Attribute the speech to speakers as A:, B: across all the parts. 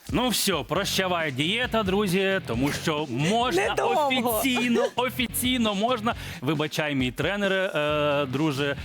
A: Ну все, прощавай дієта, друзі, тому що можна
B: Недовго.
A: офіційно можна. Вибачай, мій тренер, друже,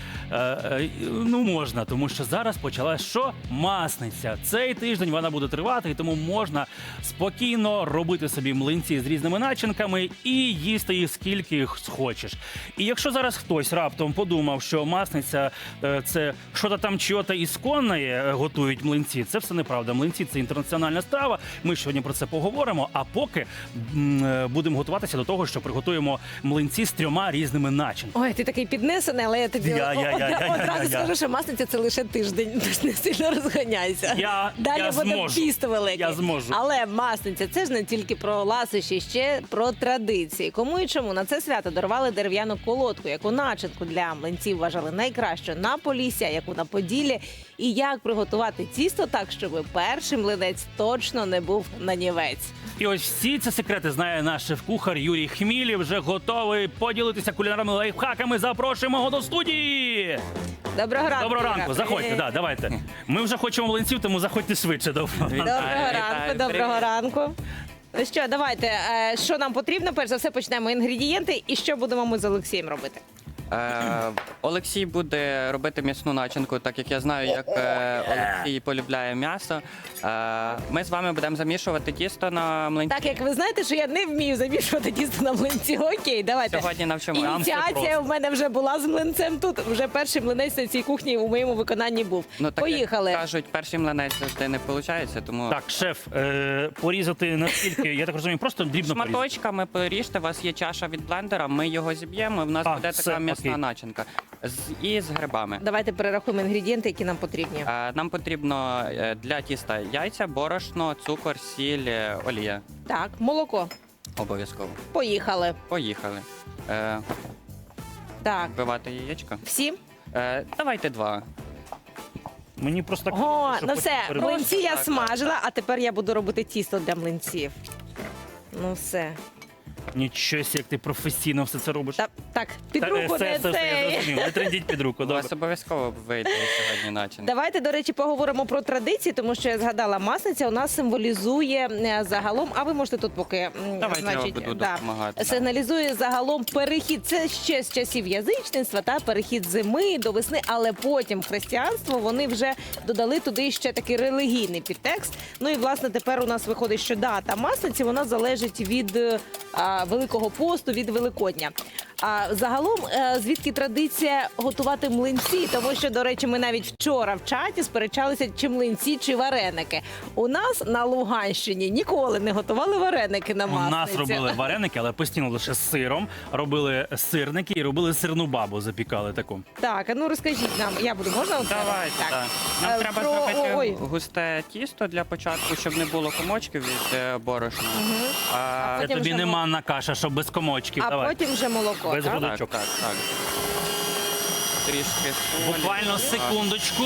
A: ну можна, тому що зараз почалась що? Масниця. Цей тиждень вона буде тривати, і тому можна спокійно робити собі млинці з різними начинками і їсти їх скільки їх схочеш. І якщо зараз хтось раптом подумав, що масниця це що-то там чого-то ісконне готують млинці, це все неправда. Млинці – це інтернаціональна страва. Ми сьогодні про це поговоримо, а поки будемо готуватися до того, що приготуємо млинці з 3 різними начинками.
B: Ой, ти такий піднесений, але я тобі одразу скажу, що масниця це лише тиждень, тож не сильно розганяйся. Далі буде піст великий.
A: Я зможу.
B: Але масниця – це ж не тільки про ласощі, ще про традиції. Кому і чому на це свято дарували дерев'яну колодку, яку начинку для млинців вважали найкращою на Поліссі, а яку на Поділлі. І як приготувати тісто так, щоб перший млинець точно не був нанівець.
A: І ось всі ці секрети знає наш шеф-кухар Юрій Хміль. Вже готовий поділитися кулінарними лайфхаками. Запрошуємо його до студії.
B: Доброго ранку.
A: Доброго ранку, заходьте, давайте. Ми вже хочемо млинців, тому заходьте швидше.
B: Доброго ранку, доброго ранку. Ну що, давайте, що нам потрібно? Перш за все почнемо інгредієнти і що будемо ми з Олексієм робити?
C: Олексій буде робити м'ясну начинку, так як я знаю, як Олексій полюбляє м'ясо. Ми з вами будемо замішувати тісто на млинці.
B: Так, як ви знаєте, що я не вмію замішувати тісто на млинці. Окей, давайте.
C: Сьогодні навчимо.
B: Ініціація в мене вже була з млинцем тут. Вже перший млинець на цій кухні у моєму виконанні був.
C: Ну, так,
B: Поїхали.
C: Як кажуть, перший млинець завжди не виходить, тому...
A: Так, шеф, порізати наскільки, я так розумію, просто дрібно порізати.
C: Шматочками поріжте, у вас є чаша від блендера, ми його зіб'ємо, і в нас буде така м'ясна начинка. І з грибами.
B: Давайте перерахуємо інгредієнти, які нам потрібні.
C: Нам потрібно для тіста яйця, борошно, цукор, сіль, олія.
B: Так, молоко.
C: Обов'язково.
B: Поїхали.
C: Поїхали.
B: Так,
C: Вбивати яєчко.
B: всі?
C: Давайте 2.
A: Мені просто так...
B: О,
A: що
B: ну
A: потім
B: все,
A: перебачити.
B: млинці я
C: Так,
B: смажила, а тепер я буду робити тісто для млинців. Ну все.
A: Нічого, як ти професійно все це робиш.
B: Так, під руку
A: Все,
B: не
A: я
B: цей.
A: зрозумів. Не трендіть під руку,
C: У
A: добре.
C: вас обов'язково вийде сьогодні начинка.
B: Давайте, до речі, поговоримо про традиції, тому що я згадала, масниця у нас символізує загалом, а ви можете тут поки,
C: Давайте я буду допомагати.
B: сигналізує загалом перехід. Це ще з часів язичництва, та перехід зими до весни, але потім християнство, вони вже додали туди ще такий релігійний підтекст. Ну і, власне, тепер у нас виходить, що дата масниці, вона залежить від Великого посту, від Великодня. А загалом, звідки традиція готувати млинці? Тому що, до речі, ми навіть вчора в чаті сперечалися, чи млинці, чи вареники. У нас на Луганщині ніколи не готували вареники на
A: У
B: масниці.
A: нас робили вареники, але постійно лише з сиром. Робили сирники і робили сирну бабу, запікали таку.
B: Так, а ну розкажіть нам, я буду, можна?
C: Давайте, так. Нам треба
B: Про-
C: зробити
B: ой.
C: густе тісто для початку, щоб не було комочків від борошна.
B: А
A: Це
B: потім
A: тобі
B: вже
A: не манна каша, щоб без комочків.
B: А
A: Давай.
B: потім вже молоко,
A: Без
B: так?
A: води.
C: Так, так, так. Трішки солі.
A: Буквально
C: Так.
A: секундочку.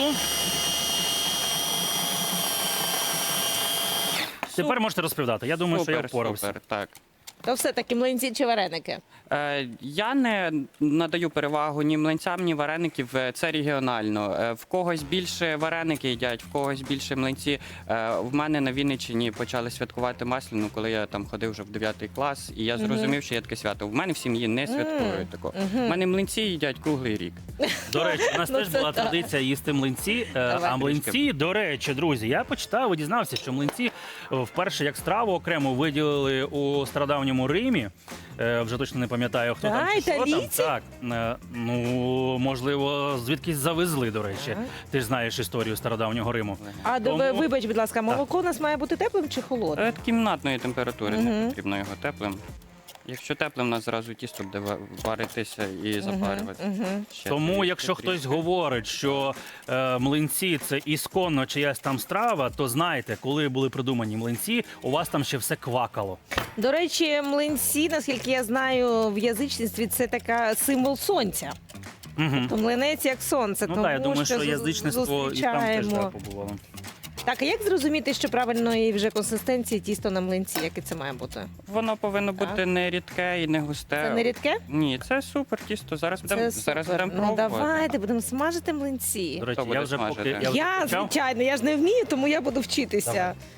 A: Тепер можете розповідати. Я думаю, що я впорався.
C: Супер, так.
B: То все-таки млинці чи вареники?
C: Я не надаю перевагу ні млинцям, ні вареників. Це регіонально. В когось більше вареники їдять, в когось більше млинці. В мене на Вінниччині почали святкувати Масляну, коли я там ходив вже в 9 клас, і я зрозумів, що є таке свято. В мене в сім'ї не святкують такого. В мене млинці їдять круглий рік.
A: До речі, у нас
B: Ну,
A: теж
B: це
A: була
B: так.
A: традиція їсти млинці.
B: Давай.
A: А млинці, до речі, друзі, я почитав і дізнався, що млинці вперше як страву окремо виділили у стародавньому Римі. Вже точно не пам'ятаю, хто там чи що там.
B: італійці?
A: Так, ну, можливо, звідкись завезли, до речі. Ти ж знаєш історію стародавнього Риму.
B: А
A: Тому-
B: вибач, будь ласка, молоко у нас має бути теплим чи холодним?
C: Кімнатної температури, не потрібно його теплим. Якщо теплим, у нас зразу тісто буде варитися і запарюватися. Ще
A: Тому,
C: трішки,
A: якщо
C: трішки.
A: хтось говорить, що млинці – це ісконно чиясь там страва, то знайте, коли були придумані млинці, у вас там ще все квакало.
B: До речі, млинці, наскільки я знаю, в язичництві це така символ сонця.
A: Угу.
B: То млинець як сонце,
A: Ну
B: тому
A: так, я думаю, що
B: зу-
A: язичництво і там теж
B: зустрічаємо.
A: так побувало.
B: Так, а як зрозуміти, що правильної вже консистенції тісто на млинці, яке це має бути?
C: Воно повинно
B: Так.
C: бути не рідке і не густе.
B: Це не рідке?
C: Ні, це супер тісто. Зараз будемо
B: супер.
C: будемо
B: Ну
C: пробувати.
B: давайте, будемо смажити млинці.
A: До речі,
C: Хто буде
A: я вже
C: смажити?
A: поки...
B: Я,
A: почав.
B: звичайно, я ж не вмію, тому я буду вчитися.
A: Давай.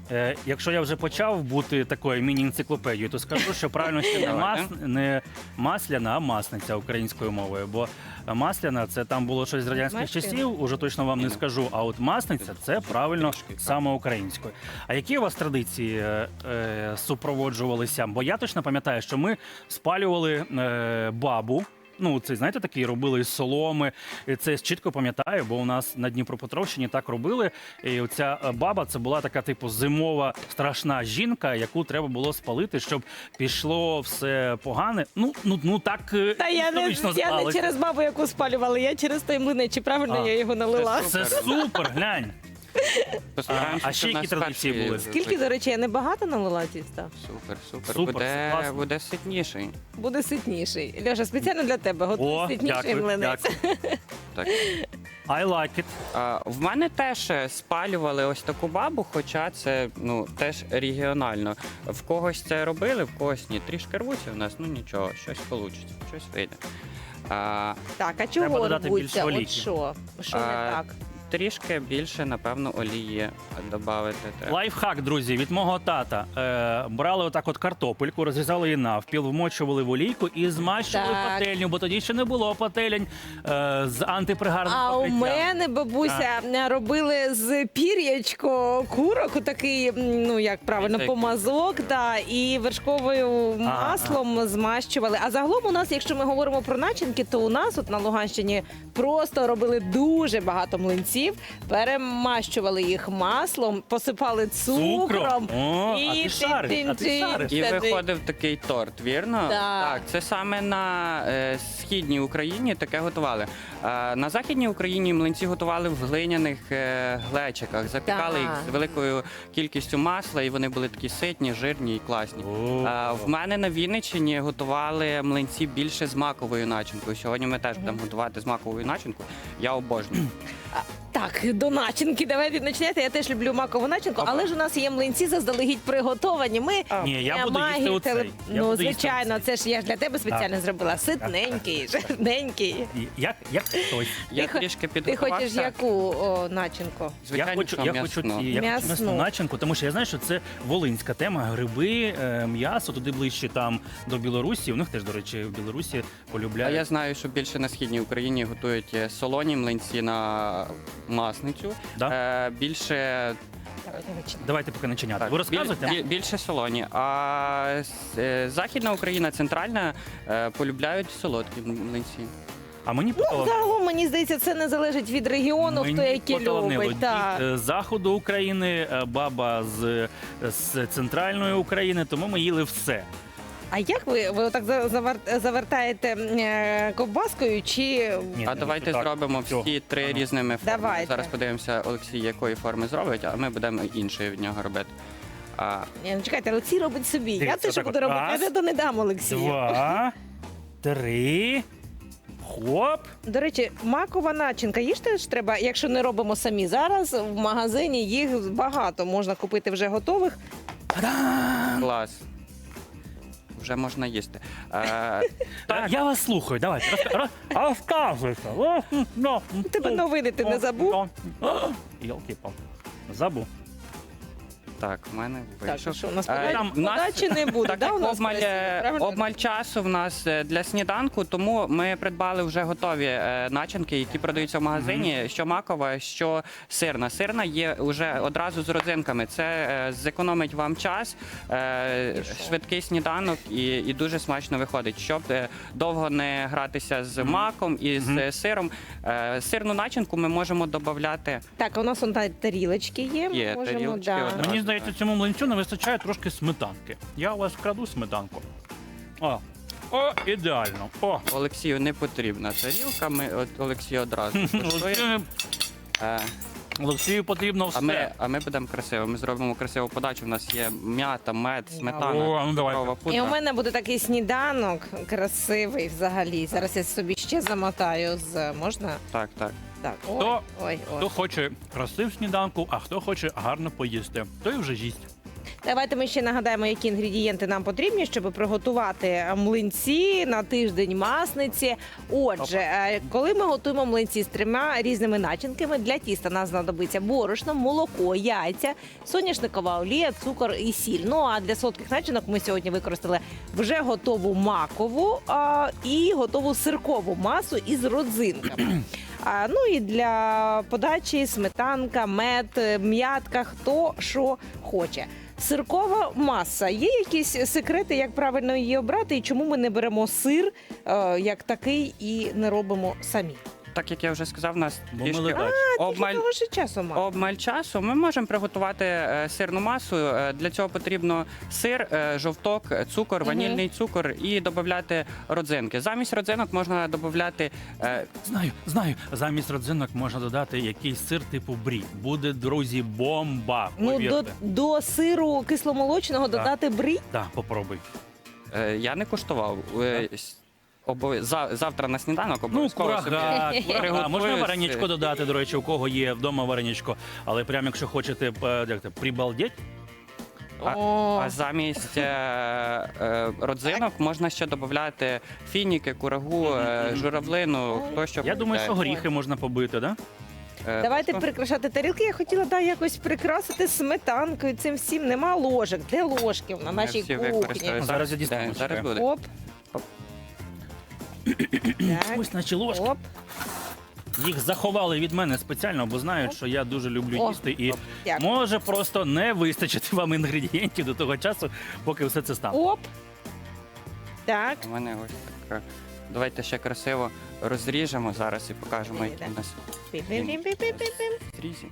A: Якщо я вже почав бути такою міні-енциклопедією, то скажу, що правильно ще не масляна, а масниця українською мовою. Бо масляна це там було щось з радянських
B: Масляна?
A: часів, уже точно вам не скажу. А от масниця це правильно саме українською. А які у вас традиції супроводжувалися? Бо я точно пам'ятаю, що ми спалювали бабу. Ну, це, знаєте, такі робили із соломи. І це я чітко пам'ятаю, бо у нас на Дніпропетровщині так робили. І оця баба, це була така, типу, зимова страшна жінка, яку треба було спалити, щоб пішло все погане. Ну так
B: Та я не
A: сталося.
B: через бабу, яку спалювали, я через той млинець. Чи правильно я його налила?
A: Це супер, глянь.
C: Постараємося,
A: А ще
C: щоб
A: які
C: нас
A: традиції
C: перші
A: були?
B: Скільки, до речі, я небагато налила тіста?
C: Супер.
A: Супер, класно.
C: Буде ситніший.
B: Буде ситніший. Льоша, спеціально для тебе
A: О,
B: готуй ситніший
A: дякую,
B: млинець.
A: дякую.
C: Так.
A: I like it.
C: В мене теж спалювали ось таку бабу, хоча це теж регіонально. В когось це робили, в когось ні. Трішки рвуться в нас, нічого, щось вийде, щось вийде.
B: Так, а
A: Треба
B: чого
A: додати
B: рвуться?
A: більше
B: От
A: олійки.
B: що? Що не так?
C: Трішки більше, напевно, олії додати треба.
A: Лайфхак, друзі, від мого тата. Брали отак от картопельку, розрізали її навпіл, вмочували в олійку і змащували
B: Так.
A: пательню, бо тоді ще не було пательень з антипригарним
B: А у
A: покриттям.
B: мене бабуся робили з пір'ячко курок, такий, як правильно,
C: Ось
B: помазок, і вершковою маслом змащували. А загалом у нас, якщо ми говоримо про начинки, то у нас от на Луганщині просто робили дуже багато млинців, перемащували їх маслом, посипали цукром.
A: О, а ти шариш, а ти шариш.
C: І виходив такий торт, вірно?
B: Так.
C: Це саме на східній Україні таке готували. На західній Україні млинці готували в глиняних глечиках, запікали їх з великою кількістю масла, і вони були такі ситні, жирні і класні. В мене на Вінниччині готували млинці більше з маковою начинкою. Сьогодні ми теж будемо готувати з маковою начинкою. Я обожнюю.
B: Так, до начинки давайте почнете. Я теж люблю макову начинку, але ж у нас є млинці заздалегідь приготовані. Ми
A: Ні, я буду їсти оцей. Я буду їсти
B: звичайно, це ж я ж для тебе спеціально зробила. Ситненький, жирненький.
A: Як хтось.
C: Я
B: Ти
C: трішки
B: Ти
C: підготувався.
B: хочеш яку начинку?
C: Звичайно,
A: Я хочу
C: м'ясну.
A: м'ясну начинку, тому що я знаю, що це волинська тема. Гриби, м'ясо, туди ближче там до Білорусі. У них теж, до речі, в Білорусі
C: А
A: полюбляють.
C: я знаю, що більше на східній Україні готують солоні млинці на масницю.
A: Да?
C: Більше
A: Давайте поки начиняти. Ви розказуєте?
C: більше солоні. А Західна Україна, центральна полюбляють солодкі млинці.
A: А мені
B: Загалом, мені здається, це не залежить від регіону, хто які любить. Так.
A: З заходу України, баба з центральної України, тому ми їли все.
B: А як ви отак завертаєте ковбаскою чи...
A: Ні,
C: А давайте
A: так.
C: зробимо
A: Всьо.
C: всі три різними формами.
B: Давайте.
C: Зараз подивимося, Олексій, якої форми зробить, а ми будемо іншої від нього робити.
B: Ні, чекайте, Олексій робить собі. Я
A: Дивіться,
B: те, що
A: отак
B: буду
A: от.
B: робити,
A: Раз,
B: я то не дам Олексію.
A: 2, 3, хоп.
B: До речі, макова начинка, їж теж треба, якщо не робимо самі зараз, в магазині їх багато, можна купити вже готових.
C: Клас. Вже можна їсти.
A: Я вас слухаю, давайте. Розказуйте.
B: Тебе новини ти не забув?
A: Йолки-палки. Забув.
C: Так, в мене
B: Так,
C: вийшов.
B: що у нас
A: там-
B: подачі не буде,
C: Так
B: да,
C: як
B: у нас правильно?
C: обмаль часу в нас для сніданку, тому ми придбали вже готові начинки, які продаються в магазині, що макова, що сирна. Сирна є вже одразу з родзинками. Це зекономить вам час, швидкий сніданок і дуже смачно виходить. Щоб довго не гратися з маком і з сиром. Сирну начинку ми можемо додати.
B: Так, а у нас он тарілочки є. ми
C: Є
B: можемо,
C: тарілочки,
B: да.
C: одна.
A: Мені здається, цьому млинцю не вистачає трошки сметанки. Я у вас вкраду сметанку. О, ідеально. О,
C: Олексію не потрібна тарілка, Олексій одразу коштує.
A: Олексію потрібно все.
C: А ми будемо красиво. Ми зробимо красиву подачу. У нас є м'ята, мед, сметана,
A: О, ну давайте.
C: цукрова
B: І у
C: пудра.
B: мене буде такий сніданок красивий взагалі. Зараз я собі ще замотаю з... Можна?
C: Так.
B: Так,
A: Хто-
B: ой.
A: Хто хоче красив сніданку, а хто хоче гарно поїсти, той вже їсть.
B: Давайте ми ще нагадаємо, які інгредієнти нам потрібні, щоб приготувати млинці на тиждень масниці. Отже, коли ми готуємо млинці з 3 різними начинками, для тіста нас знадобиться борошно, молоко, яйця, соняшникова олія, цукор і сіль. Ну а для солодких начинок ми сьогодні використали вже готову макову і готову сиркову масу із родзинками. Ну і для подачі сметанка, мед, м'ятка, хто що хоче. Сиркова маса. Є якісь секрети, як правильно її обрати, і чому ми не беремо сир як такий і не робимо самі?
C: Так як я вже сказав, у нас
A: Бо ми
C: трішки
A: ледач.
C: обмаль,
B: Того ж часу мало.
C: обмаль часу. Ми можемо приготувати сирну масу. Для цього потрібно сир, жовток, цукор, ванільний цукор і додати родзинки. Замість родзинок можна додати
A: Знаю. Замість родзинок можна додати якийсь сир типу брі. Буде, друзі, бомба.
B: Ну,
A: Повірте.
B: до сиру кисломолочного додати брі.
A: Так, попробуй.
C: я не куштував. Завтра на сніданок
A: Ну,
C: обов'язково собі
A: курага. Можна
C: приготую.
A: вареничко додати, до речі, у кого є вдома вареничко. Але прямо якщо хочете прибалдеть,
B: О.
C: А замість родзинок можна ще додати фініки, курагу, журавлину, хто що
A: я думаю, що
C: полюбляє.
A: горіхи можна побити, да?
B: Давайте
C: просто-
B: прикрашати тарілки. Я хотіла якось прикрасити сметанкою. Цим всім нема ложок. Де ложки на нашій
C: всі
B: кухні?
C: використають.
A: Зараз я дістану,
C: Зараз
A: чекай.
C: буде.
B: Оп.
C: Оп.
B: Так.
A: Ось наші ложки.
B: Оп.
A: Їх заховали від мене спеціально, бо знають, що я дуже люблю
B: О,
A: їсти. І
B: дякую.
A: може просто не вистачити вам інгредієнтів до того часу, поки все це стане.
B: Оп. Так.
C: У мене ось так. Давайте ще красиво розріжемо зараз і покажемо, які у нас
B: Пім-пім-пім-пім-пім-пім.
C: зрізі.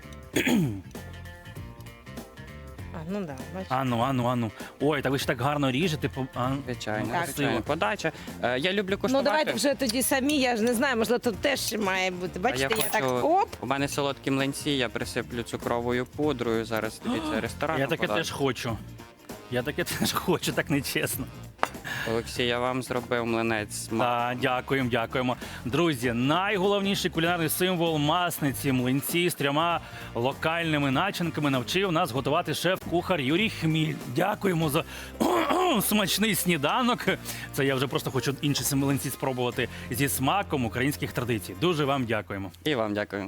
B: Ну да, бачиш.
A: Ану. Ой, та ви ж так гарно ріжете.
C: Звичайно,
B: Так.
C: звичайно. Подача. Я люблю
B: Ну
C: куштувати.
B: давайте вже тоді самі, я ж не знаю, можливо, тут теж має бути. Бачите, я так
C: хочу-
B: оп.
C: У мене солодкі млинці, я присиплю цукровою пудрою. Зараз дивіться, ресторан.
A: Я таке теж хочу. Я таке теж хочу, так нечесно.
C: Олексій, я вам зробив млинець.
A: Так, дякуємо. Друзі, найголовніший кулінарний символ масниці млинці з 3 локальними начинками навчив нас готувати шеф-кухар Юрій Хміль. Дякуємо за смачний сніданок. Це я вже просто хочу інші млинці спробувати зі смаком українських традицій. Дуже вам дякуємо.
C: І вам дякую.